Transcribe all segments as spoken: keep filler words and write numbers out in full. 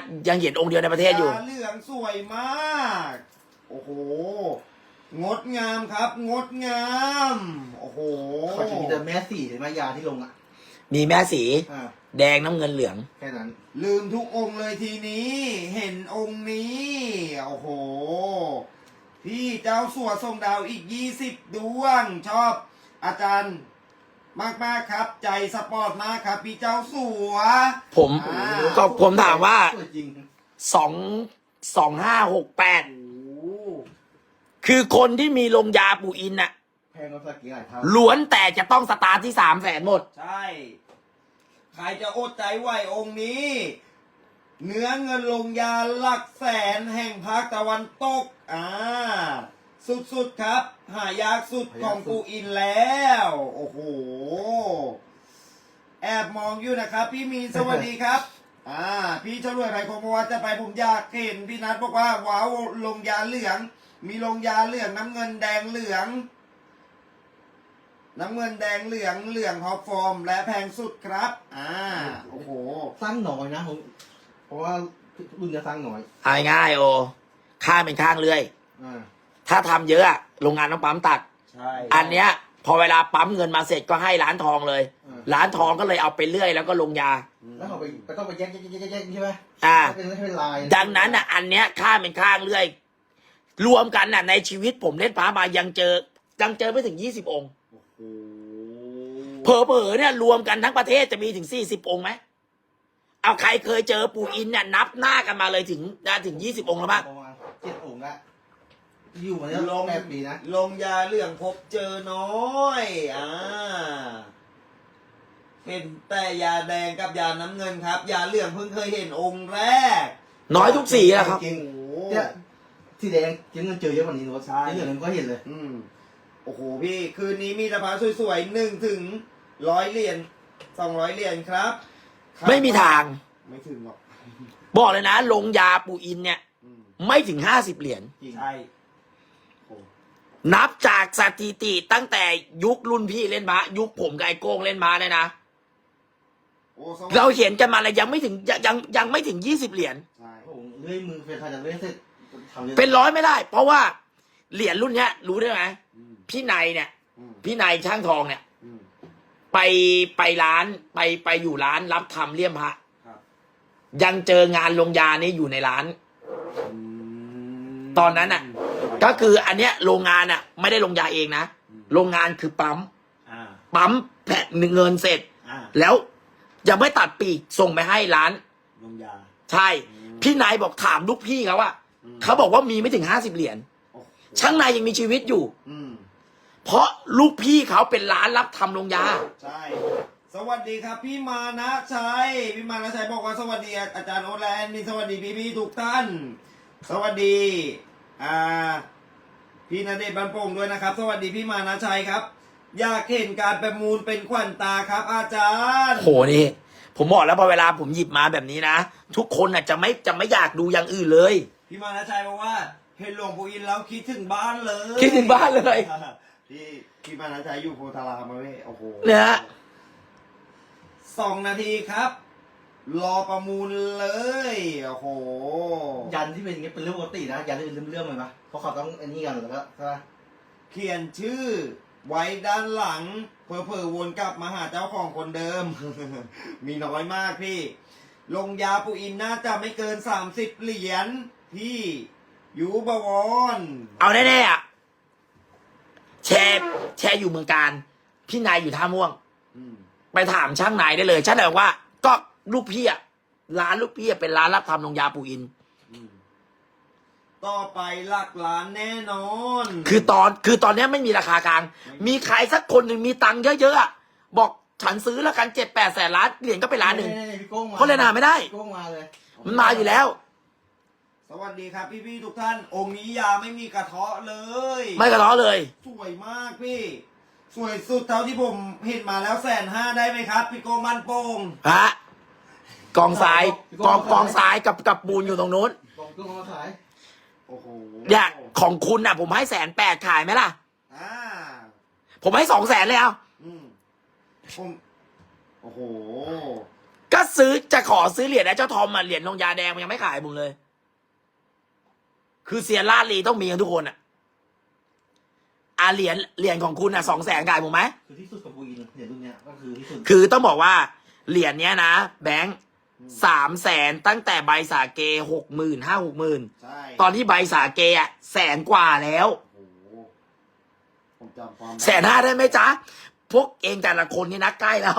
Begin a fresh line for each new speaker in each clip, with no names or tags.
ยังเห็นองค์เดียวในประเทศอยู่
ยาเหลืองสวยมากโอ้โหงดงามครับงดงามโอ้โห
เขาจะมีแต่แม่สีหรือแม่ยาที่ลงอ่ะ
มีแม่สี
อ่า
แดงน้ำเงินเหลือง
แค่นั้น
ลืมทุกองค์เลยทีนี้ เห็นองค์นี้โอ้โหพี่เจ้าสัวทรงดาวอีกยี่สิบดวง ชอบอาจารย์มากมากๆครับ ใจสปอร์ตมากครับ พี่เจ้าสัว
ผม
อ่า
ก็ผมถามว่า
สวยจริง
สองสองห้าหกแปด
โอ้โห
คือคนที่มีลงยาปู่อินน่ะ
แพงกว่าสักกี่หลายเท่า
ล้วนแต่จะต้องสตาร์ทที่สามแสนหมด
ใช่ ใครจะอดใจไหวองค์นี้ เนื้อเงินลงยาหลักแสนแห่งภาคตะวันตก อ่า สุดๆครับ หายากสุดของปูอินแล้ว โอ้โห แอบมองอยู่นะครับ พี่มีนสวัสดีครับ อ่า พี่ชลวยไผ่คงบอกว่าจะไปผมอยากเห็นพี่นัทบอกว่าว้าวลงยาเหลือง มีลงยาเหลืองน้ำเงินแดงเหลือง น้ำเงินแดงเหลืองเหลืองท็อปฟอร์ม และแพงสุดครับ อ่า โอ้โห
สร้างหน่อยนะผมเพราะว่ารุ่นจะสร้างหน่อย
เอาง่ายๆโอข้างเป็นข้างเรื่อย
อ่า
ถ้าทำเยอะอะโรงงานต้องปั๊มตัด
ใช่
อันเนี้ย พอเวลาปั๊มเงินมาเสร็จก็ให้ร้านทองเลย
อ่า
ร้านทองก็เลยเอาไปเรื่อยแล้วก็ลงยา
แล้วเขาไปไปต้องไปแยกแยกแยกแยกใช่ไหม
อ่า
เป็นเป็นลาย
ดังนั้นอ่ะ อันเนี้ยข้างเป็นข้างเรื่อย รวมกันน่ะ ในชีวิตผมเล่นพระมายังเจอ ยังเจอไม่ถึงยี่สิบองค์
โอ้
เผลอๆเนี่ยรวมกันทั้งประเทศจะมีถึงสี่สิบองค์ไหมเอาใครเคยเจอปู่อินเนี่ยนับหน้ากันมาเลยถึงได้ถึงยี่สิบองค์แล้วบ้าง
ประมาณเจ็ดองค์ละอยู่มาแล้ว
ลง
แปดปีนะ
ลงยาเหลืองพบเจอน้อย อ่า เป็นแต่ยาแดงกับยาน้ำเงินครับ ยาเหลืองเพิ่งเคยเห็นองค์แรก
น้อยทุกสีอะครับ
จริง
โอ้โห
เนี่ยสีแดงเจ๊เงินเจอเยอะกว่านี้โน้ต
ใช่
ที่เหลือนั้นก็เห็นเลย
อืม โอ้โหพี่ คืนนี้มีตะพาสวยๆหนึ่งถึงร้อยเหรียญสองร้อยเหรียญครับครับ
ไม่มีทาง
ไม่ถึงหรอก
บอกเลยนะ ลงยาปู่อินเนี่ย
อืม
ไม่ถึงห้าสิบเหรียญ
จริง
ใช่โอ้
นับจากสถิติตั้งแต่ยุครุ่นพี่เล่นม้ายุคผมกับไอ้โก้งเล่นม้าเนี่ยนะ
โอ้สวัสดี
เราเห็นกันมาเลยยังไม่ถึงยังยังยังไม่ถึงยี่สิบเหรียญ
ใช่
โอ้โหเลื่อยมือเฟรนชายจากเลื่อยเสร็จทำยอะ
เป็นร้อยไม่ได้ เพราะว่าเหรียญรุ่นเนี้ย รู้ได้ไหม
อืม
พี่นายเนี่ย
อืม
พี่นายช่างทองเนี่ย
อืม
ไปไปร้านไปไปอยู่ร้านรับทำเลี่ยมพระ
ครับ
ยังเจองานลงยานี้อยู่ในร้าน
อืม
ตอนนั้นน่ะ ก็คืออันเนี้ยโรงงานอ่ะ ไม่ได้ลงยาเองนะ
อืม
โรงงานคือปั๊ม
อ่า
ปั๊มแผ่นเงินเสร็จ
อ่า
แล้วยังไม่ตัดปีกส่งไปให้ร้าน
ลงยา
ใช่
อืม
พี่นายบอกถามลูกพี่เขาว่า
อืม
เขาบอกว่ามีไม่ถึงห้าสิบเหรียญ
โอ้โห
ช่างนายยังมีชีวิตอยู่
อืม
เพราะลูกพี่เขาเป็นร้านรับทำลงยา
ใช่ สวัสดีครับพี่มานะชัย พี่มานะชัยบอกว่าสวัสดีอาจารย์โอตและแอนนี่สวัสดีพี่พี่ๆทุกท่าน สวัสดี อ่า พี่ณเดชน์บันโป่งด้วยนะครับ สวัสดีพี่มานะชัยครับ อยากเห็นการประมูลเป็นขวัญตาครับ อาจารย์
โหนี่ ผมบอกแล้วพอเวลาผมหยิบมาแบบนี้นะ ทุกคนอ่ะจะไม่จะไม่อยากดูอย่างอื่นเลย
พี่มานะชัยบอกว่าเห็นหลวงปู่อินแล้วคิดถึงบ้านเลย
คิดถึงบ้านเลย
พี่พี่มานะชัยอยู่โพธารามมาเว้ยโอ้โห
เนี่ยฮะ
สองนาทีครับ รอประมูลเลยโอ้โห
ยันที่เป็นอย่างเงี้ยเป็นเรื่องปกตินะยันที่เป็นเรื่องๆเลยปะเพราะเขาต้องไอ้นี่กันแล้วก็ใช่ปะ
เขียนชื่อ ไว้ด้านหลังเพอเพอๆวนกลับมาหาเจ้าของคนเดิม มีน้อยมากพี่ ลงยาปูอินน่าจะไม่เกินสามสิบเหรียญพี่ยูบวร
เอาแน่ๆอ่ะแชร์แชร์อยู่เมืองการพี่นายอยู่ท่าม่วง
อืม
ไปถามช่างนายได้เลยช่างนายบอกว่า ก็ลูกพี่อ่ะร้านลูกพี่อะเป็นร้านรับทำลงยาปู่อิน
อืมต่อไปหลักล้านแน่นอน
คือตอนคือตอนเนี้ยไม่มีราคากลาง มีใครสักคนหนึ่งมีตังค์เยอะๆอะบอกฉันซื้อแล้วกันเจ็ดแปดแสนล้านเหรียญก็ไปล้านหนึ่ง
ๆพี่โก้งมา
เพราะเลยนหาไม่ได้
พี่โก้งมาเลย
มันมาอยู่แล้ว
สวัสดีครับพี่ๆทุกท่าน องค์นี้ยาไม่มีกระเทาะเลย
ไม่กระท้อเลย
สวยมากพี่ สวยสุดเท่าที่ผมเห็นมาแล้วแสนห้าได้ไหมครับ พี่โกมันโป่ง
ฮะกองทรายกองกองทรายกับกับปูนอยู่ตรงนู้น
บอกพี่โก้งมาขาย
โอ้โห
เนี่ยของคุณน่ะ ผมให้แสนแปดขายไหมล่ะ
อ่า
ผมให้สองแสนเลยเอา
อืมผมโอ้โห
ก็ซื้อจะขอซื้อเหรียญนะเจ้าทอมอ่ะเหรียญลงยาแดงมันยังไม่ขายผมเลย คือเซียนลาดลีต้องมีกันทุกคนอ่ะอ่ะเหรียญเหรียญของคุณอ่ะสองแสนขายผมไหม
คือที่สุดของปูอินเหรียญรุ่นเนี้ยก็คือที่สุด
คือต้องบอกว่าเหรียญเนี้ยนะแบงค์สามแสนตั้งแต่ใบสาเกหกหมื่นห้าหกหมื่น
ใช่
ตอนที่ใบสาเกอ่ะแสนกว่าแล้ว
โอ้โหผมจำความได้
แสนห้าได้ไหมจ๊ะ พวกเองแต่ละคนนี่นะใกล้แล้ว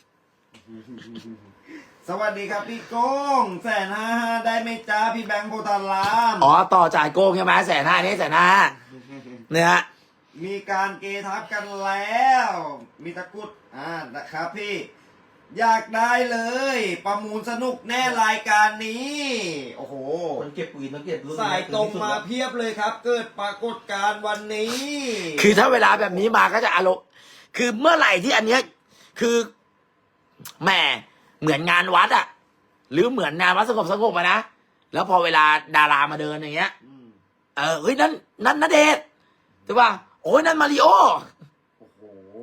สวัสดีครับพี่โก้งแสนห้าห้าได้ไหมจ้าพี่แบงค์โพธาราม
อ๋อ ต่อจ่ายโกงใช่ไหมแสนห้านี่แสนห้าเนี่ยฮะ
มีการเกทับกันแล้ว มีตะกรุดอ่านะครับพี่ อยากได้เลย ประมูลสนุกแน่รายการนี้ โอ้โห
คนเก็บปูอินต้องเก็บรุ่น
สายตรงมาเพียบเลยครับ เกิดปรากฏการณ์วันนี้
คือถ้าเวลาแบบนี้มาก็จะอารมณ์คือเมื่อไหร่ที่อันเนี้ยคือแหมเหมือนงานวัดอะหรือเหมือนงานวัดสงบสงบอะนะแล้วพอเวลาดารามาเดินอย่างเงี้ย
อืม
เออเฮ้ยนั่นนั่นณเดชน์ถูกป่ะโอ้ยนั่นมาริโอ
โอ้โห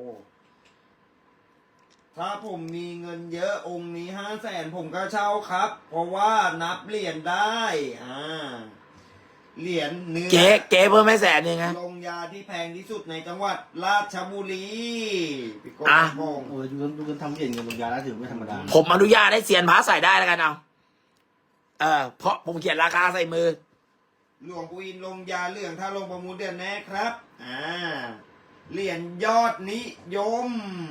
ถ้าผมมีเงินเยอะองค์นี้ห้าแสนผมก็เช่าครับ เพราะว่านับเหรียญได้ อ่า เหรียญเนื้อ
เก๋เก๋เพิ่มไม่แสนหนึ่งไง
ลงยาที่แพงที่สุดในจังหวัดราชบุรีพี่โก้
อ่ะ
โกง
โอ้ยดูกันดูกันทำเหรียญเงินลงยาแล้วถือไม่ธรรมดา
ผมอนุญาตให้เซียนพระใส่ได้แล้วกันเอาเออเพราะผมเขียนราคาใส่มือ
หลวงปู่อินลงยาเหลืองถ้าลงประมูลเดือนแน่ครับ อ่า เหรียญยอดนิยม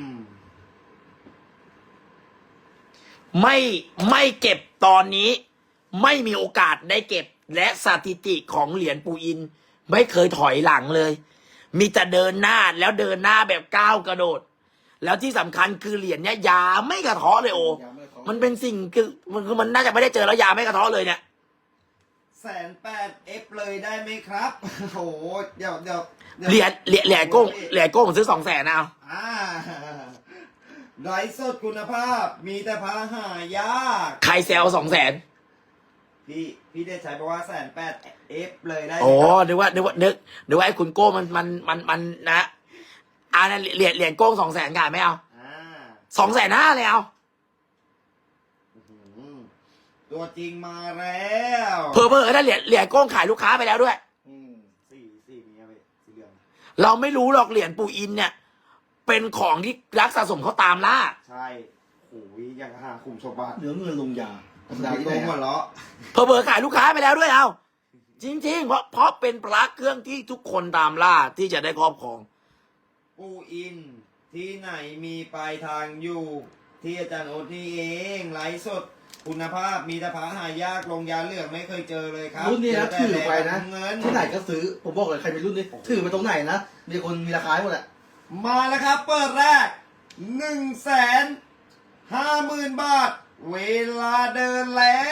ไม่ไม่เก็บตอนนี้ ไม่มีโอกาสได้เก็บและสถิติของเหรียญปูอิน ไม่เคยถอยหลังเลย มีแต่เดินหน้าแล้วเดินหน้าแบบก้าวกระโดด แล้วที่สำคัญคือเหรียญเนี้ยยาไม่กระเทาะเลยโอ
ยาไม่ท้อ
มันเป็นสิ่งคือมันคือมันน่าจะไม่ได้เจอแล้วยาไม่กระเทาะเลยเนี่ย
แสนแปดเอฟเลยได้ไหมครับ โอ้โห เดี๋ยวเดี๋ยวดี๋ยว
เหรียญเหรียญเหรียญโก้งเหรียญโก้งผมซื้อสองแสนเอา
อ่าไร้สดคุณภาพ มีแต่พาหายาก
ใครแซวสองแสน
พี่พี่ได้ใช้บอกว่าแสนแปดเอฟเลยได้ไหม
โอ้
ครับ
นึกว่านึกว่านึกนึกว่าไอ้คุณโก้มันมันมันมันนะอ่านั่นเหรียญเหรียญโก้งสองแสนขายไม่เอา
อ่า
สองแสนห้าเลยเอา
อื้อหือตัวจริงมาแล้ว
เพอเพอถ้าเหรียญเหรียญโก้งขายลูกค้าไปแล้วด้วย
อืม
สี่สี่นี้ครับพี่สีเหลือง
เราไม่รู้หรอกเหรียญปูอินเนี่ย เป็นของที่รักสะสมเขาตามล่า
ใช่โอ้ยยังหาขุมสมบัติ
เหลือเงินลงยาธรรมดา
พี่
ที่
โก
ไหน
งหัว
อะ
เราะ
เพอเพอขายลูกค้าไปแล้วด้วยเอาจริงๆ เพราะเพราะเป็นพระเครื่องที่ทุกคนตามล่าที่จะได้ครอบครอง
ปูอิน ที่ไหนมีปลายทางอยู่ ที่อาจารย์โอ๊ตนี่เองไลฟ์สดคุณภาพมีแต่พาหายากลงยาเหลืองไม่เคยเจอเลยครับ
รุ่นนี้นะ
เจ
ถือ
แต่
ไปนะ
เงิน
ที่ไหนก็ซื้อผมบอกเลยใครเป็นรุ่นนี้ถือไปตรงไหนนะมีคนมีราคาให้หมดแหละ
มาแล้วครับ เปิดแรกหนึ่งแสนห้าหมื่นบาท เวลาเดินแล้ว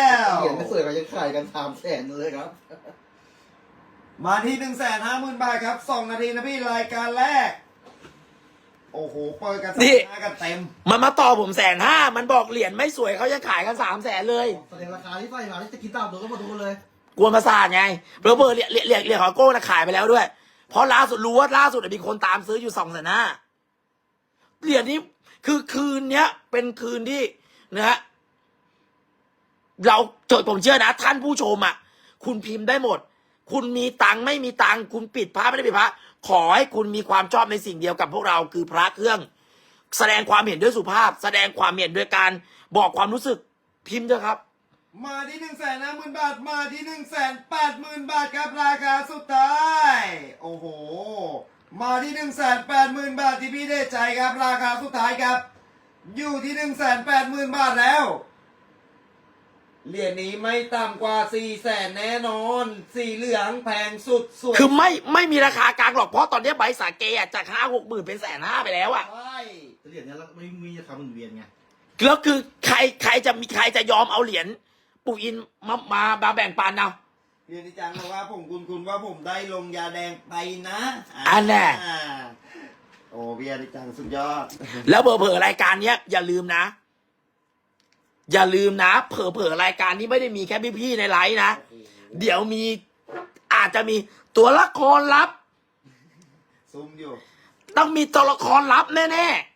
เหรียญไม่สวยก็ยังขายกันสามแสนเลยครับ
มาที่หนึ่งแสนห้าหมื่นบาทครับสองนาทีนะพี่รายการแรก โอ้โห เปิดกันส
นี่
หน้ากันเต็ม
มันมาต่อผมแสนห้ามันบอกเหรียญไม่สวยเขายังขายกันสามแสนเลย
แสดงราคาที่ไฟมาที่จะกินตามตัวก็มาดูกันเลย
กวนประสาทไงเพอเพอเหรียญเหรียญเหรียญเหรียญของโก้นะขายไปแล้วด้วย เพราะล่าสุดรู้ว่าล่าสุดมีคนตามซื้ออยู่สองแสนห้าเหรียญนี้คือคืนเนี้ย เป็นคืนที่นะฮะเราโจทย์ผมเชื่อนะ ท่านผู้ชมอ่ะ คุณพิมพ์ได้หมด คุณมีตังค์ไม่มีตังค์คุณปิดพระไม่ได้ปิดพระขอให้คุณมีความชอบในสิ่งเดียวกับพวกเราคือพระเครื่อง แสดงความเห็นด้วยสุภาพ แสดงความเห็นด้วยการบอกความรู้สึกพิมพ์เถอะครับ
มาที่หนึ่งแสนห้าหมื่นบาท มาที่หนึ่งแสนแปดหมื่นบาทครับราคาสุดท้าย โอ้โห มาที่หนึ่งแสนแปดหมื่นบาทที่พี่ได้ใจครับ ราคาสุดท้ายครับ อยู่ที่หนึ่งแสนแปดหมื่นบาทแล้ว เหรียญนี้ไม่ต่ำกว่าสี่แสนแน่นอน สีเหลืองแพงสุดสวย
คือไม่ไม่มีราคากลางหรอกเพราะตอนนี้ใบสาเกอะจากห้าหกหมื่นเป็นแสนห้าไปแล้วอะ
ใช่
เหรียญเนี้ยไม่มีราคาหมุนเวียนไง
แล้วคือใครใครจะมีใครจะยอมเอาเหรียญปู่อินมามามาแบ่งปันเอา
เรียนอาจารย์บอกว่าผมคุณคุณว่าผมได้ลงยาแดงไปนะ
อันแน่
อ่าโอ้พี่อาจารย์สุดยอด
แล้วเผลอๆรายการเนี้ยอย่าลืมนะ อย่าลืมนะ เผลอๆรายการนี้ไม่ได้มีแค่พี่ๆในไลฟ์นะ เดี๋ยวมีอาจจะมีตัวละครลับ
ซุ่มอยู่
ต้องมีตัวละครลับแน่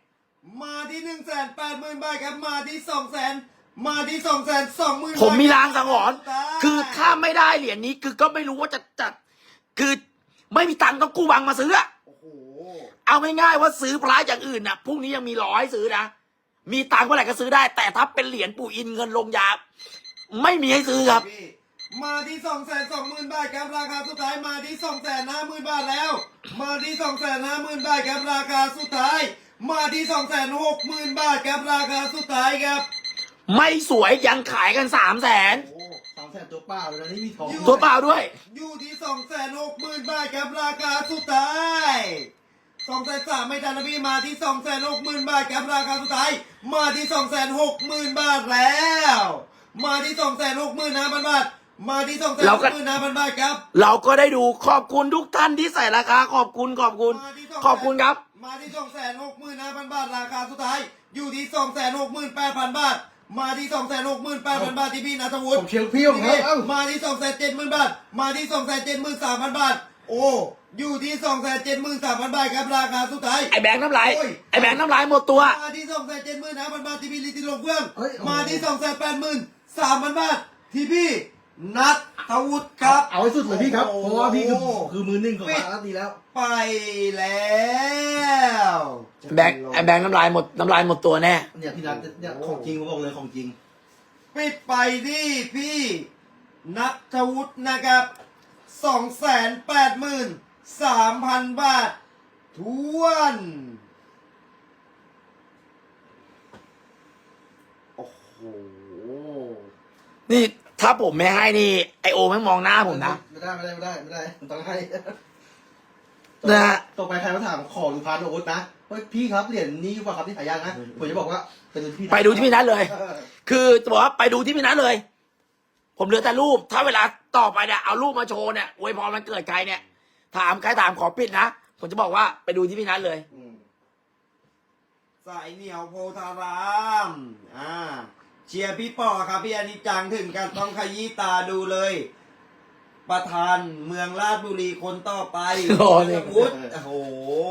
มาที่หนึ่งแสนแปดหมื่นบาทครับมาที่สองแสนมาที่สองแสนสองหมื่น
ผมมีรางสังหรณ์คือถ้าไม่ได้เหรียญนี้คือก็ไม่รู้ว่าจะจัดคือไม่มีตังค์ต้องกู้บังมาซื้ออะ
โอ้โห
เอาง่ายๆว่าซื้อพระอย่างอื่นน่ะพรุ่งนี้ยังมีร้อยซื้อนะมีตังค์เมื่อไหร่ก็ซื้อได้ แต่ถ้าเป็นเหรียญปู่อินเงินลงยาไม่มีให้ซื้อครับ
พี่มาที่สองแสนสองหมื่นบาทครับราคาสุดท้ายมาที่สองแสนห้าหมื่นบาทแล้ว มาที่สองแสนห้าหมื่นบาทครับราคาสุดท้าย มาที่สองแสนหกหมื่นบาทครับราคาสุดท้ายครับ
ไม่สวยยังขายกันสามแสน
โอ้สามแสนตัวเปล่าเลยนะนี่มีทอง
ตัวเปล่าด้วย
อยู่ที่สองแสนหกหมื่นบาทครับราคาสุดท้ายสองแสนสามไม่ทันนะพี่มาที่สองแสนหกหมื่นบาทครับราคาสุดท้าย มาที่สองแสนหกหมื่นบาทแล้ว มาที่สองแสนหกหมื่นห้าพันบาทมาที่สองแสนหกหมื่นห้าพันบาทครับ
เราก็ได้ดูขอบคุณทุกท่านที่ใส่ราคาขอบคุณขอบคุณ
มาที่
ขอบคุณครับ
มาที่สองแสนหกหมื่นห้าพันบาทราคาสุดท้าย อยู่ที่สองแสนหกหมื่นแปดพันบาท มาที่สองแสนหกหมื่นแปดพันบาทที่พี่นัทวุฒิ
ผมเชียร์พี่ผมครับเอ้า
มาที่สองแสนเจ็ดหมื่นบาท มาที่สองแสนเจ็ดหมื่นสามพันบาท โอ้อยู่ที่สองแสนเจ็ดหมื่นสามพันบาทครับราคาสุดท้าย
ไอ้แบงค์น้ำลาย
โอ้ย
ไอ้แบงค์น้ำลายหมดตัว
มาที่สองแสนเจ็ดหมื่นห้าพันบาทที่พี่ลิติลงเครื่อง
เฮ้ยโอ้โห
มาที่สองแสนแปดหมื่นสามพันบาทที่พี่นัทวุฒิครับ
เอาให้สุดเลยพี่ครับ
โอ้
เพ
โห
ราะว่าพี่คือคือมือหนึ่งของร้านนี้แล้ว
ไปแล้ว
แบงค์ไอ้แบงค์น้ำลายหมดน้ำลายหมดตัวแน่
เนี่ยพี่นัทเนี่ยของจริงผมบอกเลยของจริง
ปิดไปที่พี่นัทวุฒินะครับสองแสนแปดหมื่นสามพันบาททวน โอ้โห
นี่ถ้าผมไม่ให้นี่ไอโอไม่งมองหน้าผมนะ
ไม่ได้ไม่ได้ไม่ได้ไม่ได้มันต้องให้
นะฮะ
ต่อไปใครมาถามขอดูพานโอ๊ตนะเฮ้ยพี่ครับเหรียญนี้ว่าครับที่หายากนะผมจะบอกว่าเป็นพี่
ไปดูที่พี่นัทเลย
ออ
คือจะบอกว่าไปดูที่พี่นัทเลย ผมเหลือแต่รูป ถ้าเวลาต่อไปเนี่ยเอารูปมาโชว์เนี่ยอวยพรมันเกิดใครเนี่ย ถามใครถามขอปิดนะ ผมจะบอกว่าไปดูที่พี่นัทเลย
อืม
สายเหนียวโพธาราม อ่า เชียร์พี่ปอครับพี่อนิจจังถึงกันต้องขยี้ตาดูเลย ประธานเมืองราชบุรีคนต่อไป
โอ้นี่
นัทวุฒิโอ้โห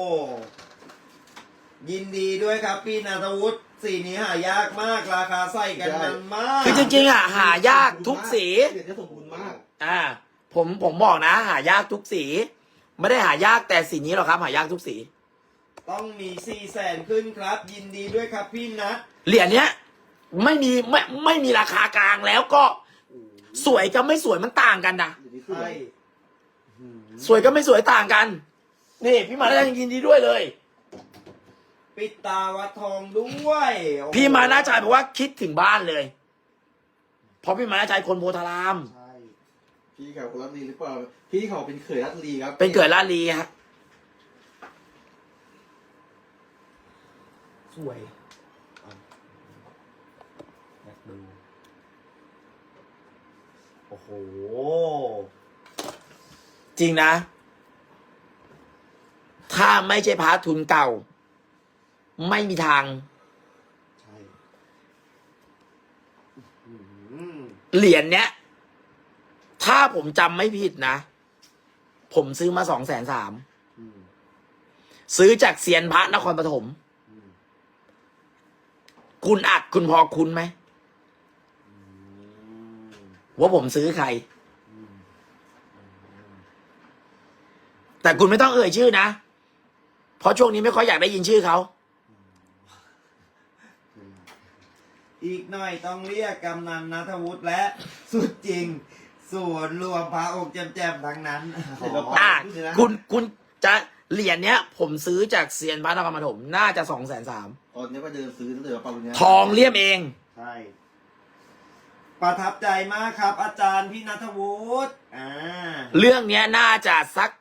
ยินดีด้วยครับพี่นัทวุฒิสีนี้หายากมากราคาใส่กันมันมาก
คือจริงๆอ่ะหายากทุกสี
เหรียญจะสมบูรณ์มาก
อ่า ผมผมบอกนะ หายากทุกสี ไม่ได้หายากแต่สีนี้หรอกครับ หายากทุกสี
ต้องมีสี่แสนขึ้นครับ ยินดีด้วยครับพี่นัท
เหรียญเนี้ยไม่มีไม่ไม่มีราคากลางแล้วก็สวยกับไม่สวยมันต่างกันนะ
เหรียญนี้สว
ใช่
ย
สวยกับไม่สวยต่างกัน นี่พี่มานาชัยยินดีด้วยเลย
ปิดตาวัดทองด้วยโอ้โห
พี่มานาชัยบอกว่าคิดถึงบ้านเลย เพราะพี่มานาชัยคนโพธาราม
ใช่
พี่เขาคนรัตลีหรือเปล่าพี่เขาเป็นเขยรัตลีครับ
เป็นเกิดลาดลีฮะสวย
อยากดู โอ้โห
จริงนะ ถ้าไม่ใช่พระทุนเก่า ไม่มีทาง
ใช่อื้อหือ
เหรียญเนี้ย ถ้าผมจำไม่ผิดนะ ผมซื้อมาสองแสนสาม
อืม
ซื้อจากเซียนพระนครปฐม
อืม
คุณอัดคุณพอคุณไหม
อืม
ว่าผมซื้อใคร
อืม
แต่คุณไม่ต้องเอ่ยชื่อนะ เพราะช่วงนี้ไม่ค่อยอยากได้ยินชื่อเขา
อีกหน่อยต้องเรียกกำนันนัทวุฒิและสุดจริง ส่วนรวมพระองค์แจมๆทั้งนั้น
อ่ะคุณคุณจะเหรียญเนี้ย ผมซื้อจากเซียนพระนครปฐมน่าจะสองแสนสาม
ตอนนี้ก็เดินซื้อตั้งแต่ปารุญญา
ทองเลี่ยมเอง
ใช่ ประทับใจมากครับ อาจารย์พี่นัทวุฒิอ่า
เรื่องเนี้ยน่าจะสัก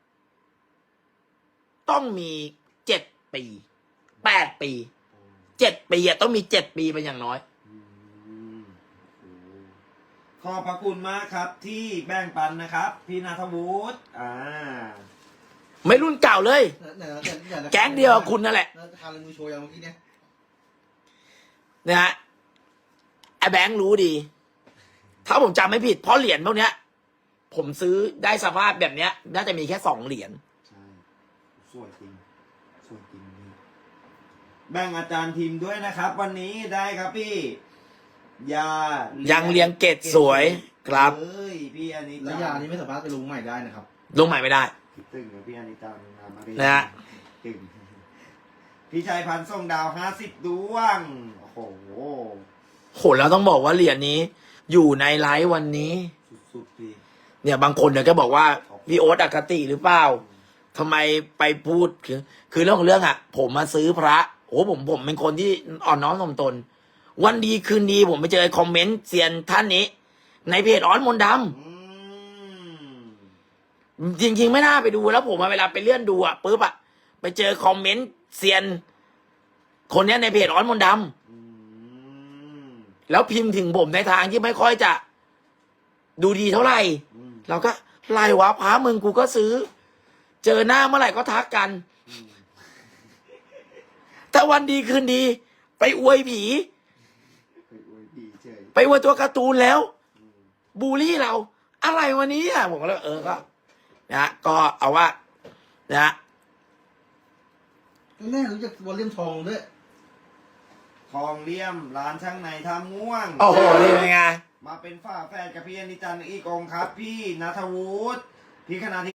ต้องมีเจ็ดปีแปดปีเจ็ดปีอะต้องมีเจ็ดปีเป็นอย่างน้อย
อืมขอบพระคุณมากครับที่แบ่งปันนะครับ พี่นัทวุฒิอ่า
ไม่รุ่นเก่าเลย
เนี่ยนะเนี่ยเนี่ยนะ
แก๊งเดียวกับคุณนั่นแหละ
นะทานเลยมือโชว์อย่างเมื่อกี้เนี่ย
นะฮะไอ้แบงค์รู้ดี ถ้าผมจำไม่ผิดเพราะเหรียญพวกเนี้ย ผมซื้อได้สภาพแบบเนี้ย น่าจะมีแค่สองเหรียญ
ใช่ สวยจริง สวยจริงนี่แบ่งอาจารย์ทีมด้วยนะครับ วันนี้ได้ครับพี่ยา
ยั
ยัง
เรียงเกตสวยครับ
เอ้ยพี่อันนี้
แล้วยานี้ไม่สามารถไปลงใหม่ได้นะครับ
ลงใหม่ไม่ได้
ตึงกับพี่อันนี้จังนามาเรีย
นะฮะ
ตึงพี่ชัยพันธ์ส่งดาวห้าสิบดวงโอ้โห
โหแล้วต้องบอกว่าเหรียญนี้ อยู่ในไลฟ์วันนี้
สุดๆพี่
เนี่ยบางคนเนี่ยก็บอกว่าพี่โอ๊ตอคติหรือเปล่าทำไมไปพูดคือคือเรื่องของเรื่องอ่ะ ผมมาซื้อพระโอ้ผมผมเป็นคนที่อ่อนน้อมถ่อมตน วันดีคืนดีผมไปเจอคอมเมนต์เซียนท่านนี้ ในเพจอ้อนมนต์ด
อืม
ำจริง ๆ ไม่น่าไปดูแล้วผมอะเวลาไปเลื่อนดูอ่ะปุ๊บอ่ะไปเจอคอมเมนต์เซียน คนเนี้ยในเพจอ้อนมนต์ด
อืม
ำแล้วพิมพ์ถึงผมในทางที่ไม่ค่อยจะ ดูดีเท่าไหร่
อืม
เราก็ไล่วะพระมึงกูก็ซื้อ เจอหน้าเมื่อไหร่ก็ทักกัน
อืม
แต่วันดีคืนดี ไปอวยผี
ไปอวยพี่เฉย
ไปอวยตัวการ์ตูนแล้ว
อืม
บูลลี่เรา อะไรวันนี้อ่ะผมก็เลยเออก็นะฮะก็เอาว่านะฮะ
แน่รู้จักวอลเลียมทองด้วย
ทองเลี่ยมร้านช่างในท่าม่วง
โอ้โหนี่เป็นไง
มาเป็นฝ้าแฝดกับพี่อนิจันทร์อีกองค์ครับ พี่นัทวุฒิพี่คณาธิ